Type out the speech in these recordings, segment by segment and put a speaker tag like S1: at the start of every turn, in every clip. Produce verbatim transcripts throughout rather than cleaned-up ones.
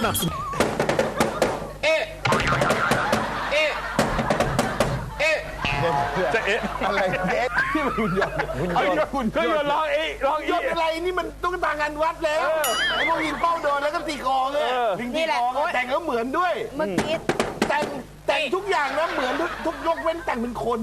S1: นับสนุน
S2: เอ๊ะเอ๊ะเอ๊ะจะเอ๊ะอะไรเอ๊ะที่มันหุ่นยนต์หุ่นยนต์หุ่นยนต์ร้องเอ๊ะร้องยนต์อะไรนี่มันตุ๊กตางานวัดแล้วไอ้พวกยิงเป้าโดนแล้วก็ตีคอเนี่ยลิงตีคอแต่งแล้วเหมือนด้วย
S3: เมื่อกี้
S2: แต่งแต่งทุกอย่างนะเหมือนทุกทุกยกเว้นแต่งเป็นคน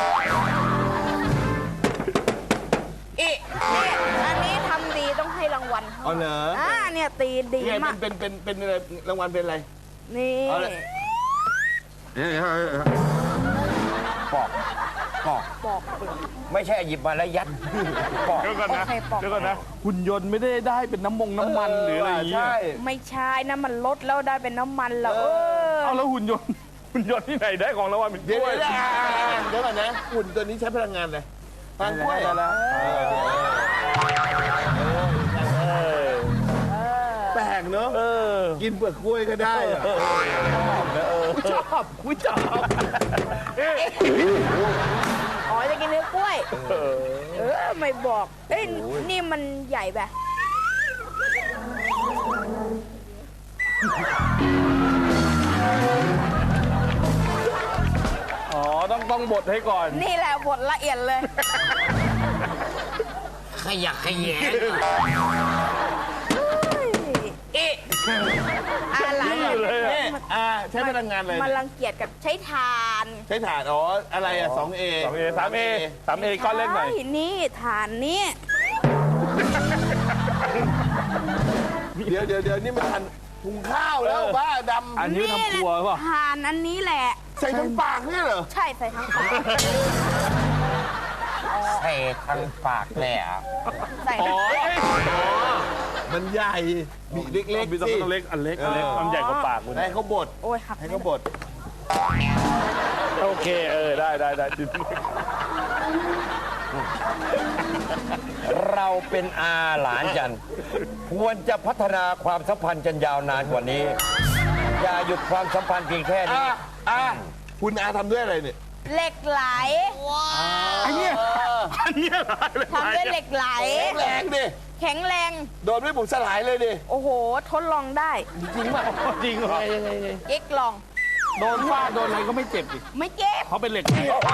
S3: เอ๊ะเนี่ยอันนี้ทำดีต้องให้รางวัล
S2: อ๋อเหรอ
S3: อ่าเนี่ยตีดีมาก
S2: เป็นเป็นเป็นเป็นอะไรรางวัลเป็นอะไร
S3: นี่
S2: ปอกปอก
S3: ปอก
S4: ไม่ใช่หยิบมาแล้วยัดปอก
S2: เดี๋ยวก่อนนะเดี๋ยวก่อนนะหุ่นยนต์ไม่ได้ได้เป็นน้ำมงน้ำมันหรืออะไรอย่างเงี้ย
S3: ไม่ใช่นะมันลดแล้วได้เป็นน้ำมันแล้วเออ
S2: เอาแล้วหุ่นยนต์หุ่นยนต์ที่ไหนได้ของรางวัลเป็นกล้วยเดี๋ยวเดี๋ยวก่อนนะหุ่นตัวนี้ใช้พลังงานอะไรพลังกล้วยแปลกเนอะกินเปลือกกล้วยก็ได้อะชอบกูชอบ
S3: อ๋อจะกินเนื้อกล้วยเออไม่บอกเอ้ยนี่มันใหญ่แบบ
S2: อ๋อต้องต้องบดให้ก่อน
S3: นี่แหละบดละเอียดเลย
S4: ขยักขยง
S3: เอ๊ะอะไร
S2: เลยอ่าใช้พลังงานเลย
S3: มันรังเกียจกับใช้ถ่าน
S2: ใช้ถ่านอ๋ออะไรอ่ะสองเอสองเอสามเอสามเอก้อนเล็กหน่อย
S3: นี่ถ่านนี้
S2: เดี๋ยวเดี๋ยวเดี๋ยวนี่มันถ่านหุงข้าวแล้วบ้าดำอันนี้ทำครัวป่ะ
S3: ถ่านอันนี้แหละ
S2: ใส่ทั้งปากเนี่ยเหรอ
S3: ใช่ใส่ทั้งปาก
S4: ใส่ทั้งปากแหละ
S3: ใส่ทั้งปาก
S2: มันใหญ่บีเล็กๆสิเล็กอันเล็กอันเล็กมันใหญ่กว่าปากคุณให้เขาบด
S3: โอ้ยหัก
S2: ให้เขาบดโอเคเออได้ได้ได้
S4: เราเป็นอาหลานกันควรจะพัฒนาความสัมพันธ์กันยาวนานกว่านี้อย่าหยุดความสัมพันธ์เพียงแค่นี้
S2: อ่าคุณอาทำด้วยอะไรเนี่ย
S3: เหล็กไหล
S2: ว้าวอันนี้อันนี้
S3: ทำด้วยเหล็กไหล
S2: แรงดิ
S3: แข็งแรง
S2: โดนไม่บุกสลายเลยดิ
S3: โอ้โหทดลองได้
S2: จริงป่ะจริงเหรอยังไง
S3: เอ็กลอง
S2: โดนฟาดโดนอะไรก็ไม่เจ็บดิ
S3: ไม่เจ็บ
S2: เขาเป็นเหล็ก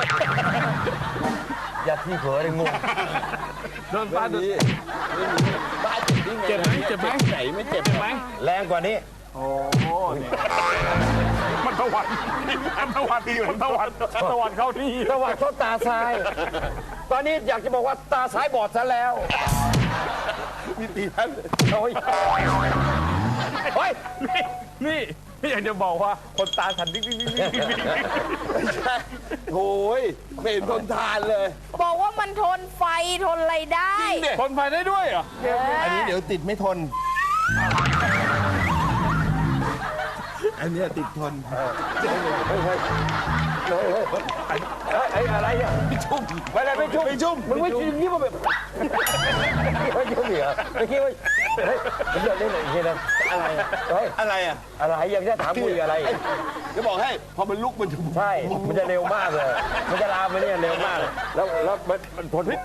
S4: อย่าที่เผลอเลยงง
S2: โดนฟาดดิบ้าเจ็บไหมเจ็บไหมไหนไม่เจ็บไหม
S4: แรงกว่านี้
S2: โอ้โหมันตะวันมันตะวันที่อยู่ตะวันตะวันเข้าที่
S4: ตะวันเข้าตาซ้ายตอนนี้อยากจะบอกว่าตาซ้ายบอดซะแล้ว
S2: มีตีท่าน
S4: โอ้ย
S2: เฮ้ยนี่นี่นี่อยากจะบอกว่าคนตาฉันดิ้งดิ้งดิ้งดิ้งไม่ใช่โอ้ยไม่เห็นทนทานเลย
S3: บอกว่ามันทนไฟทนอะไรได้
S2: ทนไฟได้ด้วยเหรออันนี้เดี๋ยวติดไม่ทนอันนี้ติดทน
S4: ไอ้อะไรอ่ะไม่ชุ่มไม่อะไรไม่ชุ่ม
S2: ไม่ชุ่ม
S4: มึงไม่ชุ่มนี่มันแบบไม่ชุ่มเหรอไม่คิดว่าเฮ้ยผมอยากเล่นอะไรอย่างเงี้ยนะ
S2: อะไรเฮ้ยอะไรอ่ะ
S4: อะไรยังจะถามคุยอะไร
S2: จะบอกให้พอมันลุกมันจะ
S4: ใช่มันจะเร็วมากเลยมันจะลามไปเนี่ยเร็วมากแล้วแล้วมันมันทนพิษ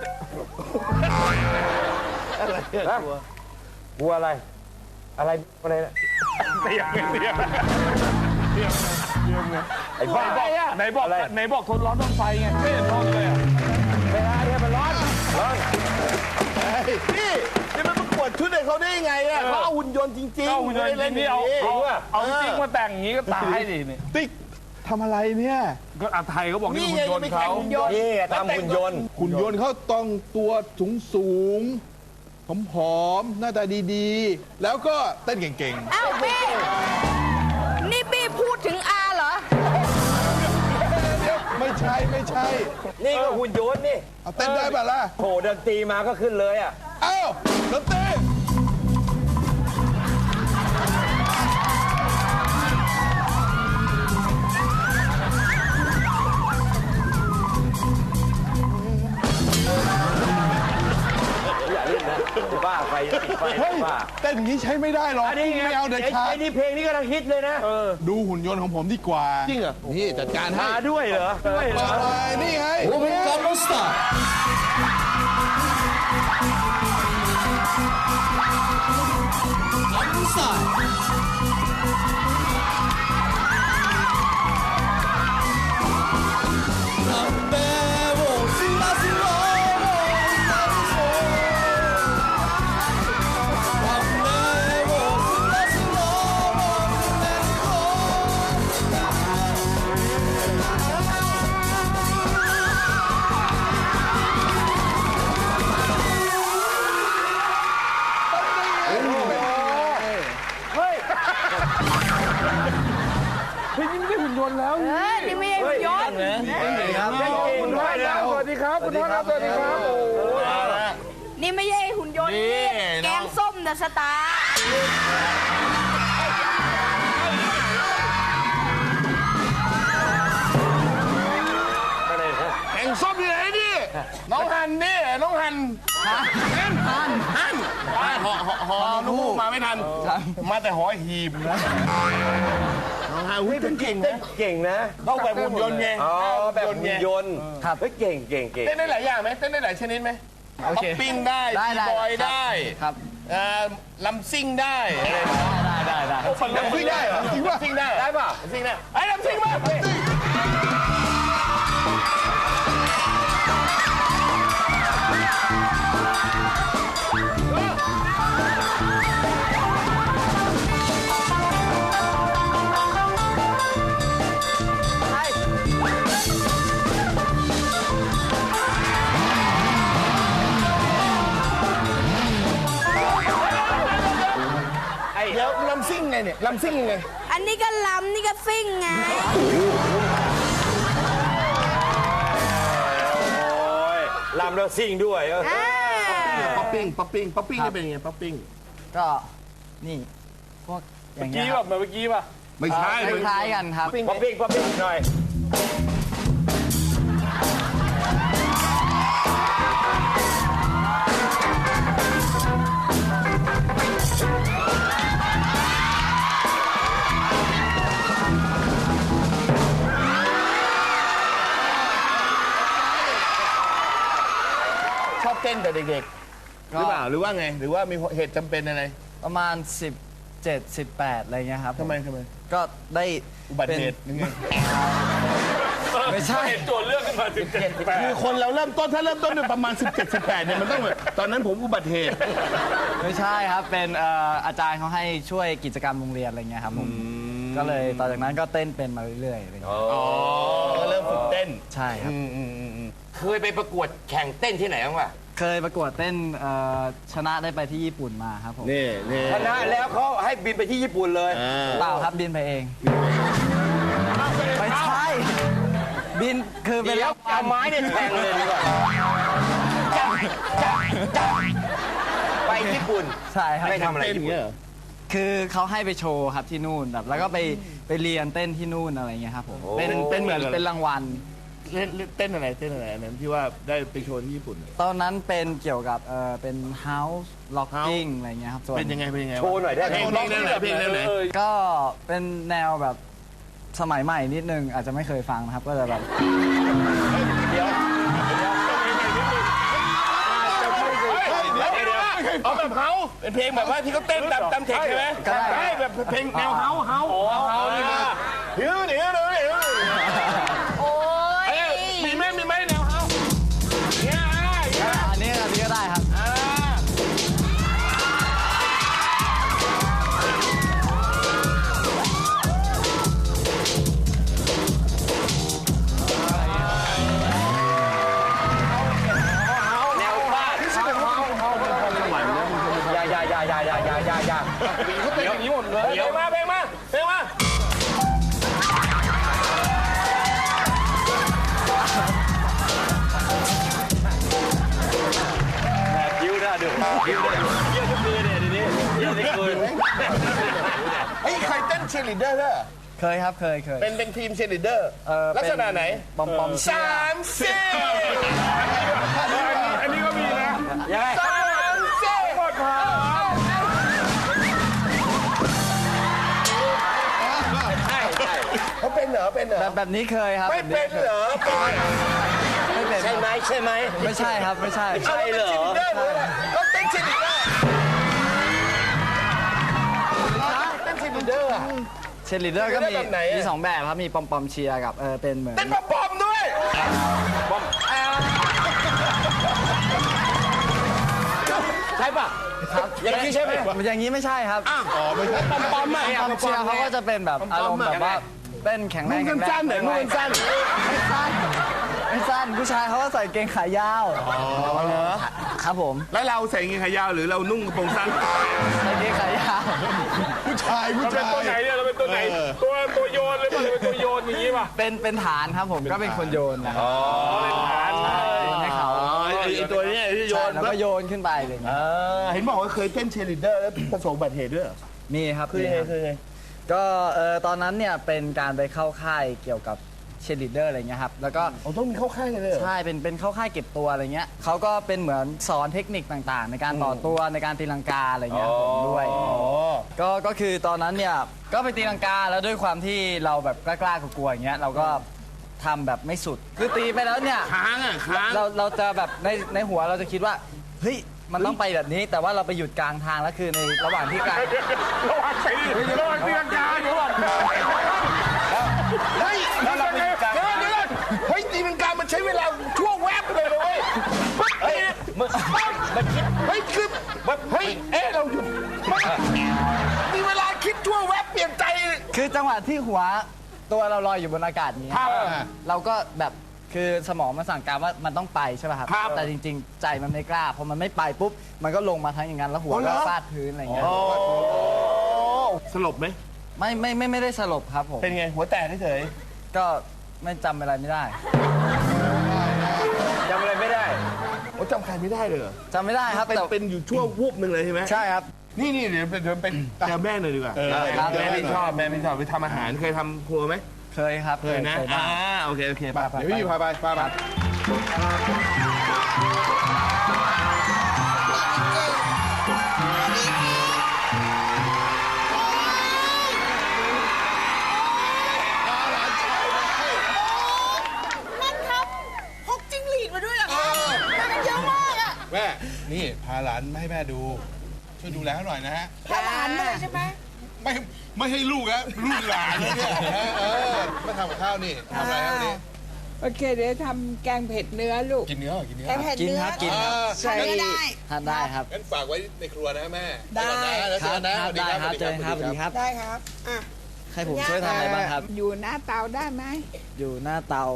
S2: อะไรกลัว
S4: กลัวอะไรอะไรอะไรนะ
S2: เตียงเตียงเตียงเตียงไง
S4: ไอ้บ้า
S2: ไหนบอกไหนบอกทนร้อนทนไฟไงไม่เห็นทนเลยอ่ะ
S4: เวลาเนี่ยมันร้อนร้อน
S2: พี่นี่มันประกวดชุดให้เขาได้ยังไงอ่ะเขาเอาหุ่นยนต์จริงๆเอาหุ่นยนต์จริงๆเอาเอาจริงมาแต่งอย่างนี้ก็ตายดินี่ติ๊กทำอะไรเนี่ยก็อาไทยเขาบอกนี่หุ่นยนต์เขา
S4: นี่ทำหุ่นยนต์
S2: หุ่นยนต์เขาต้องตัวสูงสูงผอมๆหน้าตาดีๆแล้วก็เต้นเก่ง
S3: ๆอ้าวพี่นี่พี่พูดถึงอาเหรอ
S2: ไม่ใช่ไม่ใช่
S4: นี่ก็หุ่นยนต์นี่
S2: เอาเต้นได้ป่ะล่ะ
S4: โหดนตรีมาก็ขึ้นเลยอ่ะ
S2: เอ้าดนตรี
S4: บ้าไฟติดไฟบ้า
S2: เต้นอย่างนี้ใช้ไม่ได้หรอกไม่เอาเด็ดขาด
S4: ไอ้นี่เพลงนี้กำลังฮิตเลยนะ
S2: ดูหุ่นยนต์ของผมดีกว่าจริงเหรอนี่จัดการให้
S4: ด้วยเหรอด้วยเหรอ
S2: นี่ไง
S1: โอเมก้าโรสตาร์อันซ่า
S3: เออนี่ไม่ใช่หุ่นยนต์
S4: ครับ
S2: คุณพ่อครับสวัสดีครับคุณพ่อครับสวัสดีครับโอ้โห
S3: นี่ไม่ใช่หุ่นยนต์นี่แกงส้มเดอะสตาร์
S2: แกงส้มที่ไหนนี่น้องฮันนี่น้องฮันฮันฮันฮันหอหอหอลูกมาไม่ทันมาแต่หอหีบน้องฮันอุ้ยเก่งนะ
S4: เก่งนะ
S2: ต้องแบบหุ่นยนต์ไง
S4: อ๋อแบบหุ่นยนต์ครับเฮ้ยเก่งเก่งเก่ง
S2: เต้นได้หลายอย่างไหมเต้นได้หลายชนิดไหมป๊อปปิ้งได้
S1: ได้ได้
S2: บอยได้
S1: ครับ
S2: อ่าลำซิ่งได้อะไร
S1: ได้ได้ได้
S2: โอ้ฟังลำซิ่งได้เหรอจริงป่ะซิ่งได้ได้ป่ะซิ่งได้ไอ้ลำซิ่งมาเดี๋ยวลำซิ่งไงเนี่ยลำซิ่งยังไง
S3: อันนี้ก็ลำนี่ก็ซิ่งไง
S4: โอ้ยลำแล้วซิ่งด้วยเออ
S3: อ่า
S2: ป๊อปปิ้งป๊อปปิ้งป๊อปปิ้งนี่เป็นยังไงป๊อปปิ้ง
S1: ก็นี่พวกอย่างเงี้ย
S2: กี้แบบเมื่อกี้ป่ะไม่ใช่
S1: คล้ายๆกันครับ
S4: ป๊อปปิ้งป๊อปปิ้งหน่อย
S2: ชอบเต้นแต่เด็กๆหรือเปล่าหรือว่าไงหรือว่ามีเหตุจำเป็นอะไร
S1: ประมาณสิบเจ็ด สิบแปดอะไรเงี้ยครับ
S2: ทำไมทำไม
S1: ก็ได้
S2: อุบัติเหตุยังไง
S1: ไม่ใช่
S2: คือคนเราเริ่มต้นถ้าเริ่มต้นเนี่ยประมาณ สิบเจ็ด สิบแปดเนี่ยมันต้องแบบตอนนั้นผมอุบัติเหตุ
S1: ไม่ใช่ครับเป็นเอ่ออาจารย์เขาให้ช่วยกิจกรรมโรงเรียนอะไรเงี้ยครับผมก็เลยต่อจากนั้นก็เต้นเป็นมาเรื่อยๆอะไรเงี้ย
S2: อ๋อก็เริ่มฝึกเต้น
S1: ใช่ครับ
S4: เคยไปประกวดแข่งเต้นที่ไหนบ้างวะ
S1: เคยประกวดเต้นเอ่อชนะได้ไปที่ญี่ปุ่นมาครับผม
S2: นี่นี่
S4: ชนะแล้วเขาให้บินไปที่ญี่ปุ่นเลย
S1: เปล่าครับบินไปเองไม่ใช่บินคือเป็น
S4: เดี๋ยวเอาไม้เนี่ยแทงเลยดีกว่าจ้าจ้าจ้าไปญี่ปุ่น
S1: ใช่ครับ
S4: ไม่ทำอะไร
S2: เต้น
S4: ญี่
S2: อย่าง
S4: ปุ่น
S2: เงี้ยเหรอ
S1: คือเขาให้ไปโชว์ครับที่นู่นแบบแล้วก็ไปไปเรียนเต้นที่นู่นอะไรเงี้ยครับผมเป็นเป็นเหมือนเป็นรางวัล
S2: เล่นเล่นเต้นอะไรเต้นอะไรอันนั้นที่ว่าได้ไปโชว์ที่ญี่ปุ่น
S1: ตอนนั้นเป็นเกี่ยวกับเออเป็น house locking อะไรเงี้ยครับส่วน
S2: เป็นยังไงเป็นยังไง
S4: โชว์หน่อยได้ไหม
S2: เพลงเพลงแนวไหนเพลงแนวไหน
S1: ก็เป็นแนวแบบสมัยใหม่นิดนึงอาจจะไม่เคยฟังนะครับก็จะแบบ
S2: เดี๋ยวเอาแบบเฮาเป็นเพลงแบบว่าที่เขาเต้นตามตามเทคใช่ไหมใช่แบบเพลงแนวเฮาเฮาเฮานี่นะเดี๋ยวเดี๋ยวเดี๋ยวเดี๋ยว
S3: โอ้ย
S2: มีไหมมีไหมแนวเฮาเนี่ย
S1: อันนี้อันนี้ก็ได้ครับ
S4: แนวบ้านอย่าอย่าอย่าอย่าอย่าอย่าอย่าอย่า
S2: เขาเต้นอย่างนี้หมดเลยเพลงมาเพลงมาเพลงมา
S4: ยิ้วหน้าดูยิ้วหน้าดูเยี่ยมทุกคืนเนี่ยทีนี้เยี่ยมทุกคืน
S2: ไอ้ใครเต้นเชียร์ลีดเดอร์ด้วย
S1: เคยครับเคยเคย
S2: เป็นเป็นทีมเชียร์ลีดเดอร์
S1: เอ่อ
S2: ลักษณะไหน
S1: ปอมปอมเชีย
S2: สา
S1: ร์
S2: มสี่อันนี้ก็มีนะ
S4: ยังไง
S2: สามสี่หมดพอ
S4: ใช่ใช่
S2: เขาเป็นเหรอเป็นเหรอ
S1: แบบแบบนี้เคยครับ
S2: ไม่เป็นเหรอ
S1: ไม่เป็น
S4: ใช่ไหมใช่ไหม
S1: ไม่ใช่ครับไม่ใช่
S4: ใช่เหรอ
S2: เขาเต้นเชียร์ลีดเดอร์เต้นเชียร์ลีดเดอร์อะ
S1: เชยร์ลีดเดอร์ก็มี
S2: แบบไหนอะ
S1: มีสองแบบครับมีปอมปอมเชียร์กับเออเป็นเหมือน
S2: เต้นปอมๆด้วย
S4: ใช่ป่ะอย่างนี้ใช่ไหม
S1: อย่างนี้ไม่ใช่ครับ
S2: อ๋อไม่ใช่ปอมๆ
S1: ป
S2: อ่ะ
S1: อมเชียร์เขาก็จะเป็นแบบอารมณ์แบบว่าเต้นแข็งแร
S2: นุ่
S1: ง
S2: ง
S1: แข็งแรง
S2: สั้นๆหน่อยนุ่งสั้น
S1: ไม่สั้นไม่สั้นผู้ชายเขาก็ใส่เกงขายาว
S2: อ๋อเหรอ
S1: ครับผม
S2: แล้วเราใส่กางเกงขายาวหรือเรานุ่งกระโปรงสั้น
S1: ใส่เกงขายาว
S2: ผู้ชายผู้
S5: เราเป็
S2: ชาน
S5: ตัวไหน
S2: ย
S5: เนี่ยเราเป็นตัวไหน ตัวตัวโยนหรือเปล่าเราเป็นตัว
S2: โยนอย่างนี้ป่ะ
S1: เป็นเป็นฐานครับผมก็เป็นคนโยนนะครับ
S2: อ๋อเป็นฐาน
S1: ใช่โยนให้เขา
S2: ไอ้ตัวนี้ที่โย
S1: ใช่
S2: น
S1: แล้วก็โยนขึ้นไปอะไรอย่างเงี้ย
S2: เห็นบอกว่าเคยเต้นเชียร์ลีดเดอร์แล้วประสบอุบัติเหตุด้วยเหรอ
S1: มีครับ
S2: คือยังไงคือยังไง
S1: ก็เออตอนนั้นเนี่ยเป็นการไปเข้าค่ายเกี่ยวกับเชียร์ลีดเดอร์อะไรเงี้ยครับแล้วก็
S2: อ๋อต้องมีเข้าค่ายกันเลยเหรอ
S1: ใช่เป็นเป็นเข้าค่ายเก็บตัวอะไรเงี้ยเขาก็เป็นเหมือนสอนเทคนิคต่างๆ ในการต่อตัวในการตีลังกาอะไรเงี้ยผมด้วย
S2: อ๋อ
S1: ก็ก็คือตอนนั้นเนี่ยก็ไปตีลังกาแล้วด้วยความที่เราแบบกล้าๆกลัวๆอย่างเงี้ยเราก็ทำแบบไม่สุดคือตีไปแล้วเนี่ย
S2: ค้างอ่ะค้าง
S1: เราเราจะแบบในในหัวเราจะคิดว่าเฮ้ยมันต้องไปแบบนี้ แต่ว่าเราไปหยุดกลางทางแล้วคือในระหว่างที่กลาง
S2: ระวังไปดิระวังตีลังกาเดี๋ยวก่อนเฮ้ย
S4: แล้วเราไปอยู่กลาง
S2: เดี๋ยวเดี๋ยวเฮ้ยตีลังกามันใช้เวลาช่วงแวบเลยนะเว้ยเฮ้ย
S4: มันมันคิด
S2: เฮ้ยคือเฮ้ยเอ๊ะเราหยุดมีเวลาคิดช่วงแวบเปลี่ยนใจ
S1: คือจังหวะที่หัวตัวเราลอยอยู่บนอากาศนี้
S2: ครับ
S1: เราก็แบบคือสมองมันสั่งการว่ามันต้องไปใช่ป่ะครับ
S2: ครับ
S1: แต่จริงๆ ใจมันไม่กล้าพอมันไม่ไปปุ๊บมันก็ลงมาทั้งอย่างนั้นแล้วหัว
S2: อ๋อเหร
S1: ก็
S2: อ
S1: ฟาดพื้นอะไรอย่างเงี้ย
S2: สลบไหม
S1: ไม่ไม่ไม่ไม่ได้สลบครับผม
S2: เป็นไงหัวแตกเฉย
S1: ก็ไม่จำอะไรไม่ได้
S4: จำอะไรไม่ได้
S2: โอ้จำใครไม่ได้เลยเหรอ
S1: จำไม่ได้ครับ
S2: เป็น
S1: แต่
S2: เป็นอยู่ช่วงวูบหนึ่งเลยใช่ไหม
S1: ใช่ครับ
S2: นี่นี่เดี๋ยวเดี๋ยวไปเจอแม่หน่อยดีกว่า
S1: ครับ
S2: แม่ไม่ชอบแม่ไม่ชอบไปทำอาหารเคยทำครัวไหม
S1: เคยครับ
S2: เคยนะ
S1: เคย
S2: อ่า
S1: บ้าง
S2: โอเคโอเคไปไป
S5: เดี๋ยวพี่พาไปพาไป
S3: นั่นครับพกจิ้งหรีดมาด้วยเหรอครับมากันเยอะมากอะ
S5: แม่ นี่พาหลานมาให้แม่ดู ช่วยดูแลเขาหน่อยนะฮะ
S3: พาหลานมาเลยใช่ไหม
S5: ไม่ไม่ให้ลูกนะลูกหลานเลยเนี่ยเออมาทำกับข้าวนี่ทำอะไรครับวันนี้
S6: โอเคเดี๋ยวทำแกงเผ็ดเนื้อลูก
S5: กินเนื้อเหรอกินเนื้อ
S3: แกงเผ็ด
S1: กิน
S3: เนื้อ
S1: ครับกินครับ
S6: ใส่
S3: ทำเนื้อได้
S1: ทานได้ครับ
S5: งั้นฝากไว้ในครัวนะแม่
S3: ได้
S5: แล้ว
S1: ค
S5: เจ
S1: รั
S5: อบ กันนะ
S1: ครับได้ครับเจอกันครับสวัสดีครับ
S3: ได้ครับอ่ะ
S1: ให้ผมช่วยทำอะไรบ้างครับ
S6: อยู่หน้าเตาได้ไหม
S1: อยู่หน้าเตา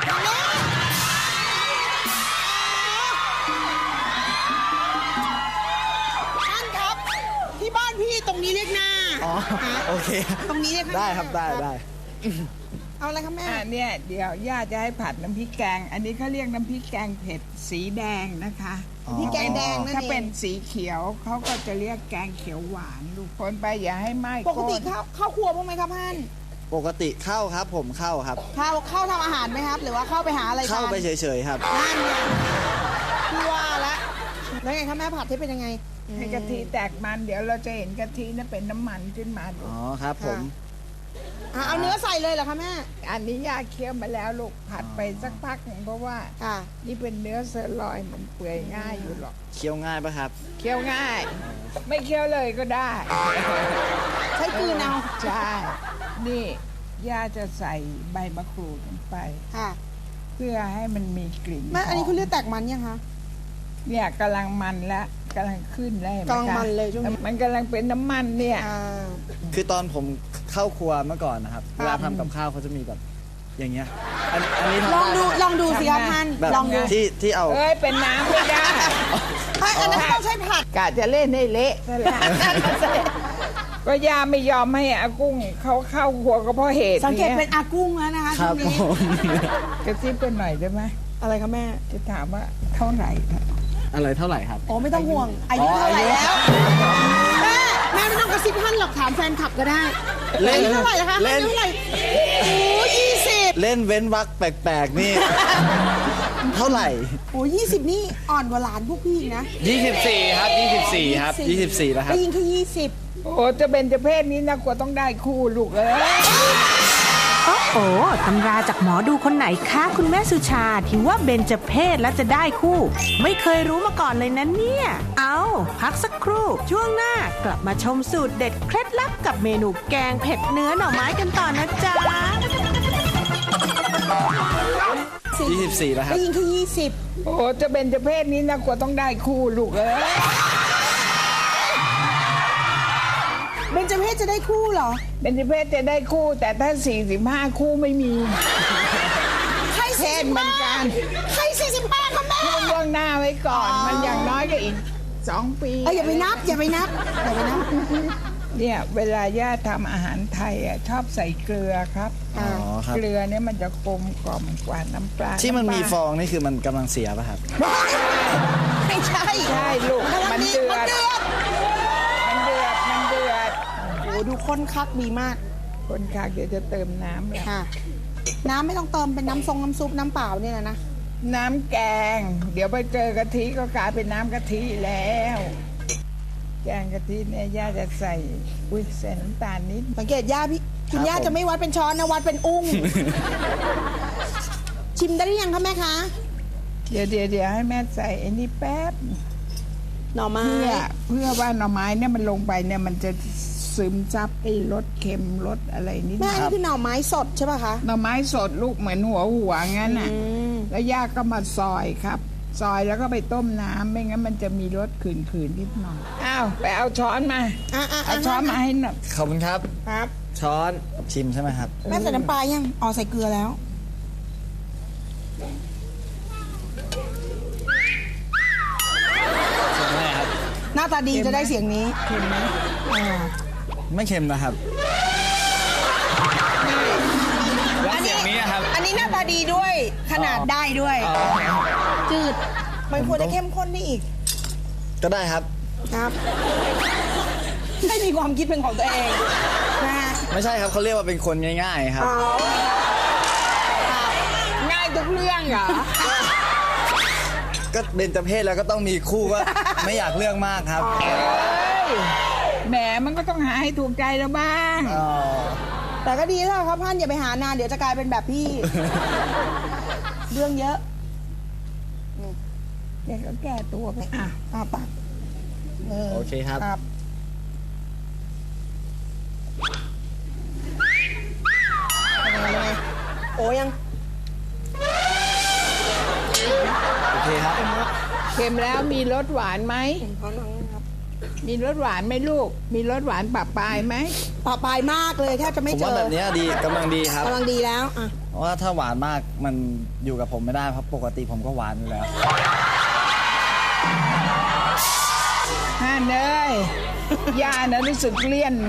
S3: ท่านครับ ที่บ้านพี่ตรงนี้เรียกหน้า
S1: อ๋อโอเค
S3: ตรงนี้เรียกข้างห
S1: ได้
S3: น้า
S1: ครับได้ได้
S3: เอาอะไรครับแม่
S6: อ่ะเนี่ยเดี๋ยวย่าจะให้ผัดน้ำพริกแกง อันนี้เขาเรียกน้ำพริกแกงเผ็ดสีแดงนะคะ
S1: อ๋อ
S3: พี่แกงแดงนั่น
S6: ถ้า
S3: เอ
S6: เป็น
S3: ง
S6: สีเขียวเขาก็จะเรียกแกงเขียวหวานลูกคนไปอย่าให้ไหม้
S3: ปกติ
S6: น
S3: เข้าเข้าครัวบ้างไหมครับท่าน
S1: ปกติเข้าครับผมเข้าครับ
S3: เข้าเข้าทำอาหารไหมครับ หรือว่าเข้าไปหาอะไรทาน
S1: เข้าไปเฉยๆครับ
S3: นั่นไงพี่ว่าละแล้วไงครับแม่ผัดที่เป็นยังไง
S6: ให้กะทิแตกมัน เดี๋ยวเราจะเห็นกะทินั่นเป็นน้ำมันขึ้นมาลู
S1: อ๋
S6: ก
S1: อครับผม
S3: อ่ะเอาเนื้อใส่เลยเหรอคะแม่
S6: อันนี้ย่าเคี่ยวมาแล้วลูกผัดไปสักพักหนึ่งเพราะว่า
S3: ค่ะ
S6: นี่เป็นเนื้อเซอร์ลอยมันเปื่อยง่ายอยู่หรอก
S1: เคี้ยวง่ายปะครับ
S6: เคี่ยวง่าย ไม่เคี่ยวเลยก็ได้
S3: ใช้กลืนเอา
S6: ใช่ นี่ย่าจะใส่ใบมะกรูดลงไป
S3: ค่ะ
S6: เพื่อให้มันมีกลิ่น
S3: แม่อันนี้
S6: ห
S3: เขาเรียกแตกมันยังคะ
S6: เนี่ยกำลังมันแล้วกำลังขึ้นแล้วห็ไห
S3: กำลัง
S6: คะ
S3: มันเลยช่วงนี้
S6: มันกำลังเป็นน้ำมันเนี่ย
S3: อ่า
S1: คือตอนผมเข้าครัวเมื่อก่อนนะครับ เวลาทำกับข้าวเขาจะมีแบบอย่างเงี้ย อันอันนี้ทำ
S3: ลอง
S1: ได้
S3: ดู
S1: ไหม
S3: ลองดูสิครับท่าน
S1: แบบ
S3: ลองดู
S1: ที่ที่เอา
S6: เอ้ยเป็นน้ำไม่ได้
S3: เอ้ยอันนั้นต้องใช้ผัด
S6: กะจะเล่นให้เละนั่นแหละก็ย่าไม่ยอมให้อากุ้งเขาเข้าครัวก็เพราะเหตุ
S3: สังเกตเป็น
S6: ย
S3: อากุ้งแล้วนะคะ
S1: ค
S3: ช่
S1: รั
S3: ว
S1: บ
S3: งนี้
S1: ผม
S6: กระซิบกันหน่อยได้ไหม
S3: อะไรคะแม่
S6: จะถามว่าเท่าไหร่
S1: อะไรเท่าไหร่ครับ
S3: โอ้ไม่ต้องห่วง อายุ
S1: อ๋อ
S3: เท่าไหร่
S1: อายุ
S3: แล้ว แม่ แม่ไม่ต้องกระซิบท่านหรอกถามแฟนคลับก็ได้
S1: เล่น
S3: อายุเท่าไหร่นะคะ
S1: เล่น
S3: อายุเท่าไหร่โอ้ยี่สิบ
S1: เล่นเว้นวักแปลกๆนี่ เท่าไหร่
S3: โอ้ยี่สิบนี่อ่อนกว่าหลานพวกพี่อีกนะ
S1: ยี่สิบสี่ครับยี่สิบสี่ครับยี่สิบสี่แล้วครับ
S3: ได้ยินแค่ยี่สิบ
S6: โอ้จะเป็นจะเพศนี้นะกว่าต้องได้คู่ลูกเอ้ย
S7: โอ้โหตำราจากหมอดูคนไหนคะคุณแม่สุชาที่ว่าเบญจเพศแล้วจะได้คู่ ไม่เคยรู้มาก่อนเลยนะเนี่ย เอาพักสักครู่ ช่วงหน้ากลับมาชมสูตรเด็ดเคล็ดลับกับเมนูแกงเผ็ดเนื้อหน่อไม้กันต่อนะจ๊ะ
S1: ยี่สิบสี่แล้วครับ
S3: ได้ยินแค่ยี่สิบ
S6: โอ้จะเป็นจะเพศนี้นะกว่าต้องได้คู่ลูกเอ้ย
S3: เบญจเพศจะได้คู่เหรอ
S6: เป็นจะเพศจะได้คู่ แต่ถ้าสี่สิบห้าคู่ไม่มี
S3: ใคร
S6: เพ
S3: สี่
S6: ศ
S3: สิบ
S6: เหมือ
S3: ห้าน
S6: กัน
S3: ใครสี่สิบห้าคะแม่
S6: พูดล่วงหน้าไว้ก่อน มันอย่างน้อยก็อีกสองปี
S3: เอ้ยอย่าไปนับ อย่าไปนับ อย่าไปนับ
S6: เนี่ยเวลาย่าทำอาหารไทยอ่ะชอบใส่เกลือครับ
S1: อ๋อครับ
S6: เกลือเนี่ยมันจะกลมกล่อมกว่าน้ำปลา
S1: ที่มันมี
S6: ำปลา
S1: ฟองนี่คือมันกำลังเสียป่ะครับ
S8: ไม่ใช่
S6: ใช่ลูก
S8: กำลัง
S6: มัน
S8: ดี
S6: เดือ
S8: มัน
S6: ด
S8: เดือด
S6: มันเดือดมันเดือด
S8: โอ้ดูข้นคักดีมาก
S6: คนค่ะเดี๋ยวจะเติมน้ำแล้ว
S8: ค่ะ น้ำไม่ต้องเติมเป็นน้ำทรงน้ำซุปน้ำเปล่าเนี่ยนะ
S6: น้ำแกง เดี๋ยวไปเจอกะทิก็กลายเป็นน้ำกะทิแล้ว แกงกะทิเนี่ยย่าจะใส่อุ้ยใส่น้ำตาลนิด
S8: สังเกตย่าพี่คุณ
S1: ครับ
S8: ย่า
S1: ผม
S8: จะไม่วัดเป็นช้อนนะวัดเป็นอุ้ง ชิมได้หรือยังคะแม่คะ
S6: เดี๋ยวเดี๋ยวเดี๋ยวให้แม่ใส่ไอ้นี่แป๊บ
S8: หน่อไม้
S6: เพื่อเพื่อว่าหน่อไม้เนี่ยมันลงไปเนี่ยมันจะซึมซับไอ้รสเค็มรสอะไรนิดห
S8: แม่
S6: น่อย
S8: อันนี้คือหน่อไม้สดใช่ป่ะคะ
S6: หน่อไม้สดลูกเหมือนหัวหัวงั้นน่ะ
S8: อืม
S6: แล้วย่าก็มาซอยครับ ซอยแล้วก็ไปต้มน้ำไม่งั้นมันจะมีรสขืนๆนิดหน่อยอ้าวไปเอาช้อนมา
S8: อ่ะอ่ะ
S6: เอาช้อนมาให้หน่อย
S1: ขอบคุณครับ
S8: ครับ
S1: ช้อนชิมใช่ไหมครับ
S8: แม่ใส่น้ำปลายังอ๋อใส่เกลือแล้ว
S1: ใช่ไหมครับ
S8: หน้าตาดีจะได้เสียงนี้
S6: เค็มไหม
S8: อ่า
S1: ไม่เค็มนะครับแล้วเสียงนี้อะครับ
S8: อันนี้หน้าตาดีด้วยขนาดได้ด้วย
S1: อ๋อ
S8: จืด มันควรจะเข้มข้นได้อีก
S1: ก็ได้ครับ
S8: ครับให้มีความคิดเป็นของตัวเองนะฮะ
S1: ไม่ใช่ครับเขาเรียกว่าเป็นคนง่ายๆครับ
S8: อ๋อ
S6: ง่ายทุกเรื่องเหรอ
S1: ก็เบญจเพศแล้วก็ต้องมีคู่ก็ ไม่อยากเลือกมากครับ
S6: เอ้ยแหมมันก็ต้องหาให้ถูกใจแล้วบ้าง
S1: อ๋อ
S8: แต่ก็ดีแล้วครับท่านอย่าไปหานานเดี๋ยวจะกลายเป็นแบบพี่ เรื่องเยอะ
S6: เดี๋ยวก็แก้ตัวไปอ่ะ
S8: อ่าปากเออ
S1: โอเคครับ
S8: ครับยังไงยังไงโอ้ยัง
S1: โอเคครับ
S6: เค็มแล้วมีรสหวานไหม
S8: พร้อมนะครับ
S6: มีรสหวานไหมลูก มีรสหวานปะปลายไหม
S8: ปลาปลายมากเลยแทบจะไม่
S1: ผม
S8: เจ
S1: ว่า
S8: อ
S1: แบบเนี้ยดีกำลังดีครับ
S8: กำลังดีแล้วอ่ะ
S1: เพราะว่าถ้าหวานมากมันอยู่กับผมไม่ได้เพราะปกติผมก็หวานอยู่แล้ว
S6: ฮ่าเนยย่านะรู้สึกเลี่ยน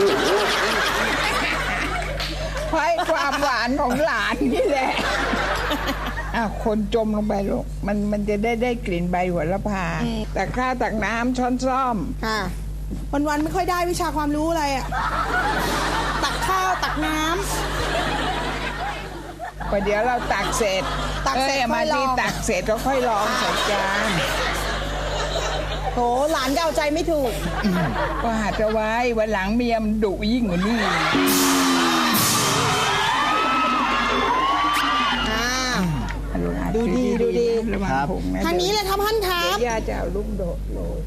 S6: เพราะไอ้ความหวานของหลานนี่แหละอ่ะคนจมลงไปลูกมันมันจะได้ได้กลิ่นใบหัวละพาแต่ข้าวตักน้ำช้อนซ่อม
S8: ค่ะวันวันๆไม่ค่อยได้วิชาความรู้อะไรอ่ะ ตักข้าวตักน้ำ
S6: พอเดี๋ยวเราตักเสร็จ
S8: ตักเสร็จ
S6: อ้ยมา
S8: ค่อยล
S6: ที่
S8: อง
S6: ตักเสร็จก็ค่อยลองใส่จาน
S8: โถหลานก็เอาใจไม่ถูก
S6: ก็หัดเอาไว้วันหลังเมียมนดุยิ่งกว่านี้
S8: อ่า
S6: ลูกอ่ะ
S8: ดูดีดูดี
S6: ระวัง
S1: ครับ
S6: ผงนะ
S8: ทางนี้เลยครับท่านครั
S6: เดี๋ย
S8: บ
S6: วย่าจะเอาลูกโดดโรย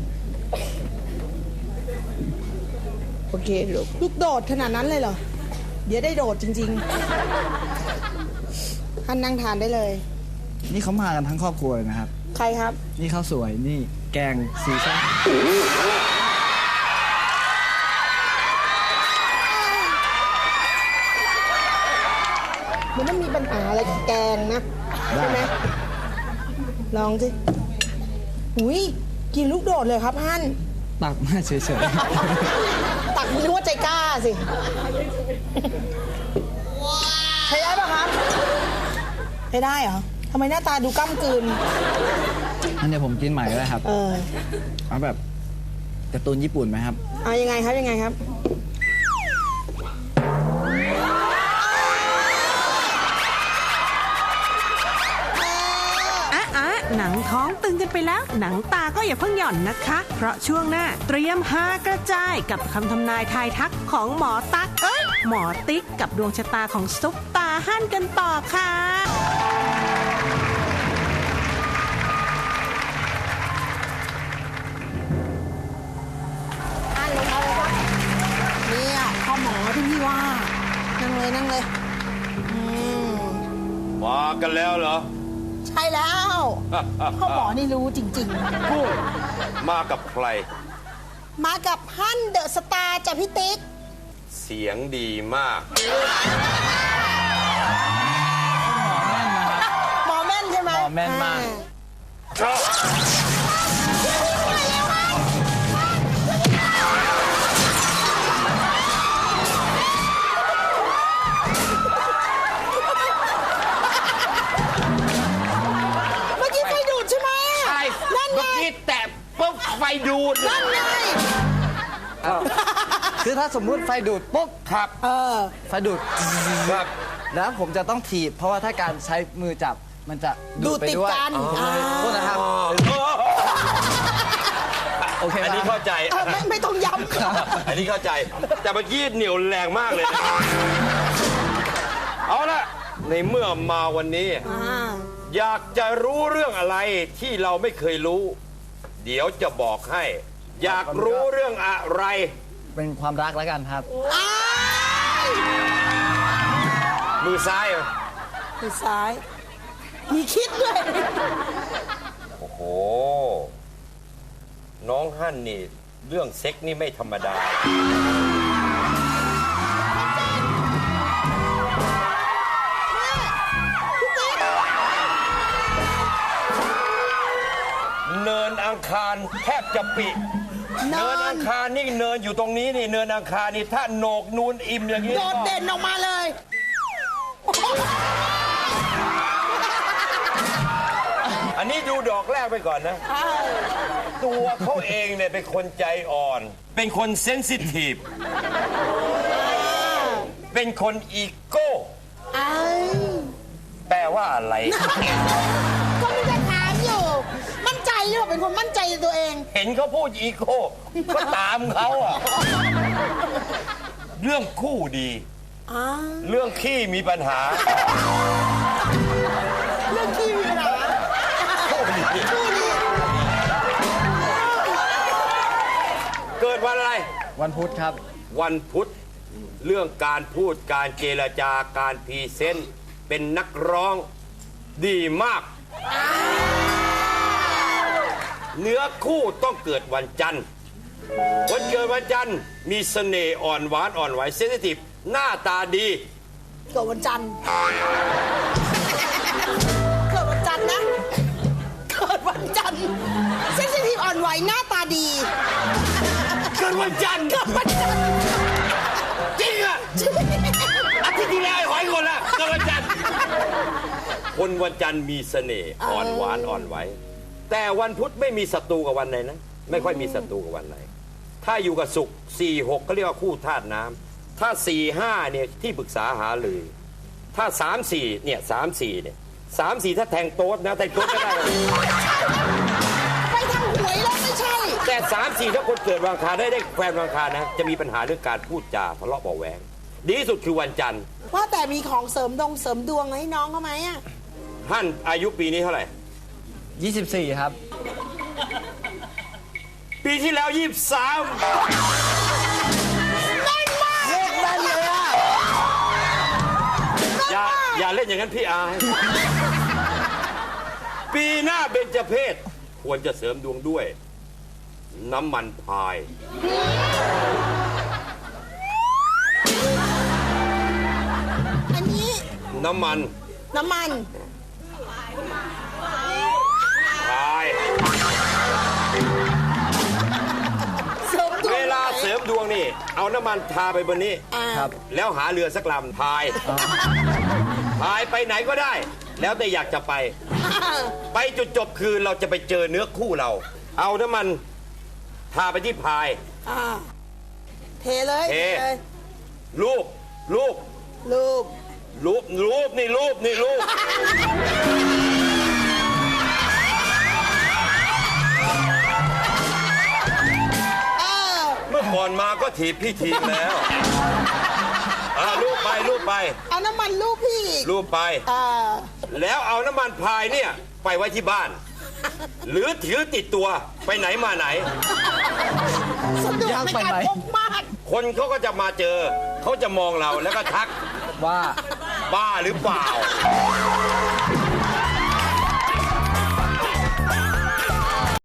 S6: โอเคลูก
S8: ลูกโดดขนาดนั้นเลยเหรอ เดี๋ยวได้โดดจริงๆ ท่านนั่งทานได้เลย
S1: นี่เขามากันทั้งครอบครัวเลยนะครับ
S8: ใครครับ
S1: นี่ข้าวสวยนี่แกงสีส้ม
S8: มันไม่มีปัญหาอะไรกับแกงนะ ใช่ไหม ลองสิหุยกินลูกโดดเลยครับท่าน
S1: ตักมาเฉย
S8: ตักนึกว่าใจกล้าสิใช้ได้ปะครับใช้ได้เหรอทำไมหน้าตาดูก้ำกลืน
S1: ๆอันเดี๋ยวผมกินใหม่ก็ได้ครับ
S8: เออ
S1: เอาแบบการ์ตูนญี่ปุ่นไหมครับ
S8: เอายังไงครับยังไงครับ
S7: อ่ะอ่ะหนังท้องตึงกันไปแล้ว หนังตาก็อย่าเพิ่งหย่อนนะคะ เพราะช่วงหน้าเตรียมหากระจายกับคำทำนายทายทักของหมอตั๊กเอ้ยหมอติ๊กกับดวงชะตาของซุปตาหั่นกันต่อค่ะ
S8: อ่านลงเอาเลยครับเนี่ยพ่อหมอที่พี่ว่า นั่งเลยนั่งเลยอืม
S4: มากันแล้วเหรอ
S8: ใช่แล้ว พ่อหมอนี่รู้จริง
S4: กุ้งมากับใคร
S8: ๆ มากับฮั่นเดอะสตาร์จากพี่ติ๊ก
S4: เสียงดีมาก
S8: หมอแม่นใช่ไหม
S1: หมอแม่นมาก
S8: อ่
S1: คือถ้าสมมุติไฟดูดปุ๊บ
S4: ครับ
S8: เออ
S1: ไฟดูด
S4: ครับ
S1: แล้วผมจะต้องถีบ เพราะว่าถ้าการใช้มือจับมันจะดูดไป
S8: ดูดติด
S1: ด้วย
S8: กัน
S1: อ๋อโทษนะครับ โอเค
S4: อันนี้
S1: ครั
S4: เข้า
S1: บ
S4: ใจ
S8: เออไม่ไม่ต้องย้ำค่ะ
S4: อันนี้เข้าใจ แต่เมื่อกี้เหนียวแรงมากเลยนะเอาละในเมื่อมาวันนี้
S8: อ่า
S4: อยากจะรู้เรื่องอะไรที่เราไม่เคยรู้ เดี๋ยวจะบอกให้ อยากรู้เรื่องอะไร
S1: เป็นความรักแล้วกันครับ
S8: อ้าย
S4: มือซ้ายเหรอ
S8: มือซ้าย มีคิดด้วย
S4: โอ้โห น้องฮั่นนี่ เรื่องเซ็กนี่ไม่ธรรมดา เนินอังคารแทบจะปิ
S8: เนิน
S4: เนินอังคารนี่เนินอยู่ตรงนี้นี่เนินอังคารนี่ถ้าโหนกนูนอิ่มอย่างนี้
S8: โดดเด่นออกมาเลย
S4: อันนี้ดูดอกแรกไปก่อนนะ ตัวเขาเองเนี่ยเป็นคนใจอ่อน เป็นคนเซนซิทีฟ เป็นคนอีโก้
S8: อ้าย
S4: แปลว่าอะไร
S8: ก็มีจะถามอยู่ มั่นใจหรือเปล่าเป็นคนมั่นใจในตัวเอง
S4: เห็นเขาพูดอีโก้ก็ตามเขาอะเรื่องคู่ดี
S8: อ้า
S4: เรื่องขี้มีปัญหา
S8: เรื่องที่มีปัญหาคู่นี้
S4: เกิดวันอะไร
S1: วันพุธครับ
S4: วันพุธ เรื่องการพูดการเจรจาการพรีเซนต์เป็นนักร้องดีมาก เนื้อคู่ต้องเกิดวันจันทร์วันเกิดวันจันทร์มีเสน่ห์อ่อนหวานอ่อนไหวเซนซิทีฟหน้าตาดี
S8: เกิดวันจันทร์ เกิดวันจันทร์นะ เกิดวันจันทร์เซนซิทีฟอ่อนไหวหน้าตาดี
S4: เกิดวันจันทร์
S8: เกิดวันจันทร์
S4: จริงอะอาทิตย์ที่แล้วไอ้หอยคนละเกิดวันจันทร์คนวันจันทร์มีเสน่ห์อ่อนหวานอ่อนไหวแต่วันพุธไม่มีศัตรูกับวันไหนนะไม่ค่อยมีศัตรูกับวันไหนถ้าอยู่กับศุกร์สี่หกก็เรียกว่าคู่ธาตุน้ำถ้าสี่ห้าเนี่ยที่ปรึกษาหารือถ้าสามสี่เนี่ยสามสี่เนี่ยสามสี่ถ้าแทงโต๊ดนะแทงโต๊ดก็ได้
S8: ไปทางหวยแล้วไม่ใช่
S4: แต่สามสี่ถ้าคนเกิดวันอังคารได้ได้แฟนวันอังคารนะจะมีปัญหาเรื่องการพูดจาทะเลาะเบาะแวงดีที่สุดคือวันจันทร์
S8: ว่าแต่มีของเสริมดงเสริมดวงให้น้องเขาไหมอ่ะ
S4: ท่านอายุปีนี้เท่าไหร่
S1: ยี่สิบสี่ ครับ
S4: ปีที่แล้วยี่สิบสาม
S8: แม่นมากเลขแม่นเลยอ่ะ
S4: อย่าอย่าเล่นอย่างนั้นพี่อายปีหน้าเบญจเพศควรจะเสริมดวงด้วย น้ำมันพาย
S8: อันนี้
S4: น้ำมัน
S8: น้ำมัน
S4: พาย
S8: เสริมดวง
S4: เวลาเสริมดวงนี่ เอาน้ำมันทาไปบนนี้
S8: อ่า
S1: ครับ
S4: แล้วหาเรือสักลำพาย พายไปไหนก็ได้ แล้วแต่อยากจะไป ไปจุดจบคือเราจะไปเจอเนื้อคู่เรา เอาน้ำมันทาไปที่พาย
S8: อ่าเทเลย
S4: เท
S8: เลย
S4: รูปรูป
S8: รูป
S4: รูปรูปนี่รูปนี่รูป
S8: เออ
S4: เมื่อก่อนมาก็ถีบพี่ทีมแล้วอ่ารูปไปรูปไป
S8: เอาน้ำมันรูปพี่อีก
S4: รูปไป
S8: อ่า
S4: แล้วเอาน้ำมันพายเนี่ยไปไว้ที่บ้าน หรือถือติดตัวไปไหนมาไหน
S8: สะดวก
S1: ยาก
S8: ใน
S1: ไป
S8: การ
S1: ไหม
S8: พกมาก
S4: คนเขาก็จะมาเจอ เขาจะมองเราแล้วก็ทัก
S1: ว่า
S4: บ้าหรือเปล่า